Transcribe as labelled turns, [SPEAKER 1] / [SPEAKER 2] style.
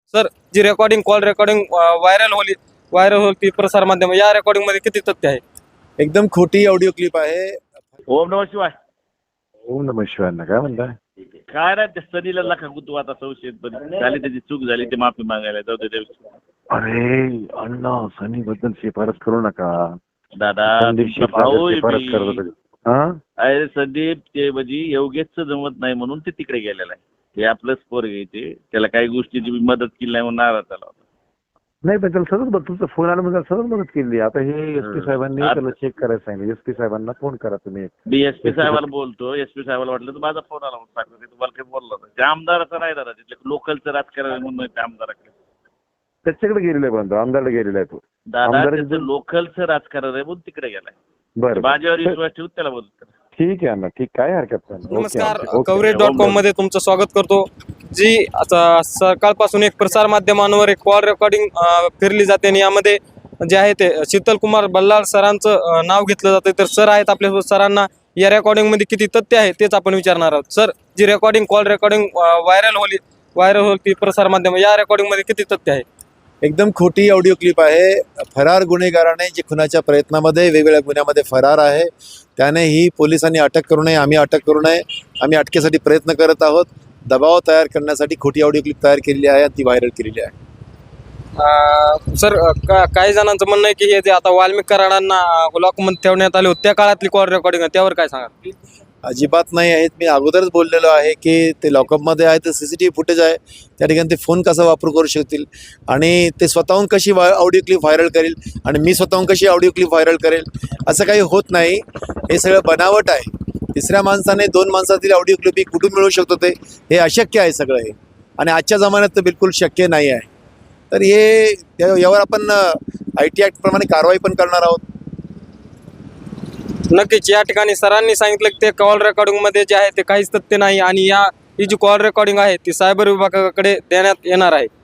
[SPEAKER 1] Sir, ji recording call recording viral होती प्रसार माध्यम, या रेकॉर्डिंग मध्ये किती तथ्य आहे?
[SPEAKER 2] एकदम खोटी ऑडिओ क्लिप आहे.
[SPEAKER 3] ओम नमः शिवाय.
[SPEAKER 4] ओम नमः शिवाय काय म्हणताय?
[SPEAKER 3] काय नाही त्या सनीला लाखा गुतू आता संशयित पण झाली त्याची चूक झाली ते माफी मागायला जाऊ दे.
[SPEAKER 4] अरे अण्णा सनी बद्दल शिफारस करू नका.
[SPEAKER 3] दादा
[SPEAKER 4] संदीप
[SPEAKER 3] तुमचा भाऊ आहे
[SPEAKER 4] शिफारस
[SPEAKER 3] मी.
[SPEAKER 4] करत होते. हा
[SPEAKER 3] अरे संदीप ते म्हणजे योगेशचं जमत नाही म्हणून ते तिकडे गेलेलं आहे. ते आपलंच पोर घ्यायचे त्याला काही गोष्टीची मी मदत केली नाही म्हणून नाराज झाला होता.
[SPEAKER 4] नाही पण त्याला सतत तुमचा फोन आला म्हणजे सतत मदत केली. आता हे एसपी साहेबांनी त्याला चेक करायला सांगितलं. एसपी साहेबांना फोन करा तुम्ही.
[SPEAKER 3] मी एसपी साहेबाला बोलतो. एसपी साहेबाला वाटलं तर माझा फोन आला म्हणून सांगतो. ते तुम्हाला काही बोलला नाही. ते आमदाराचं नाही दादा तिथले लोकलचं राजकारण म्हणून ते आमदाराकडे
[SPEAKER 4] त्याच्याकडे गेलेला आहे पण आमदारला गेलेला आहे तो.
[SPEAKER 3] दादा त्याचं लोकलचं राजकारण आहे म्हणून तिकडे गेलाय.
[SPEAKER 4] बरं
[SPEAKER 3] माझ्यावर विश्वास ठेवून त्याला बोलतो.
[SPEAKER 4] ठीक आहे अण्णा ठीक काय हरकत नाही.
[SPEAKER 1] नमस्कार, coverage.com मध्ये तुमचं स्वागत करतो. जी आता सकाळपासून एक प्रसार माध्यमांवर एक कॉल रेकॉर्डिंग फिरली जाते आणि यामध्ये जे आहे ते शीतल कुमार बल्लाळ सरांचं नाव घेतलं जातं. तर सर आहेत आपल्या, सरांना या रेकॉर्डिंग मध्ये किती तथ्य आहे तेच आपण विचारणार आहोत. Sir, ji recording call recording viral होती प्रसार माध्यम, या रेकॉर्डिंग मध्ये किती तथ्य आहे?
[SPEAKER 2] एकदम खोटी ऑडिओ क्लिप आहे. फरार गुन्हेगाराने जे खुनाच्या प्रयत्नामध्ये वेगवेगळ्या गुन्ह्यामध्ये फरार आहे त्याने ही पोलिसांनी अटक करू नये, आम्ही अटक करू नये. आम्ही अटकेसाठी प्रयत्न करत आहोत. दबाव तयार करण्यासाठी खोटी ऑडिओ क्लिप तयार केलेली आहे आणि ती व्हायरल केलेली आहे.
[SPEAKER 1] सर, काही जणांचं म्हणणं आहे की हे जे आता वाल्मिक कराडांना लॉकमध्ये ठेवण्यात आले होते त्या काळातली कॉल रेकॉर्डिंग आहे, त्यावर काय सांगा?
[SPEAKER 2] अजिबात नाही आहेत. मी अगोदरच बोललेलो आहे की ते लॉकअपमध्ये आहे तर CCTV फुटेज आहे. त्या ठिकाणी ते फोन कसा वापर करू शकतील आणि ते स्वतःहून कशी ऑडिओ क्लिप व्हायरल करेल आणि मी स्वतःहून कशी ऑडिओ क्लिप व्हायरल करेल, असं काही होत नाही. हे सगळं बनावट आहे. तिसऱ्या माणसाने 2 माणसातील ऑडिओ क्लिप ही कुठून मिळू शकतो ते हे अशक्य आहे सगळं हे. आणि आजच्या जमान्यात तर बिलकुल शक्य नाही आहे. तर हे यावर आपण IT ॲक्ट प्रमाणे कारवाई पण करणार आहोत.
[SPEAKER 1] नक्कीच या ठिकाणी सरांनी सांगितलं की ते कॉल रेकॉर्डिंग मध्ये जे आहे ते काहीच तथ्य नाही आणि ही जी कॉल रेकॉर्डिंग आहे ती सायबर विभागाकडे देण्यात येणार आहे.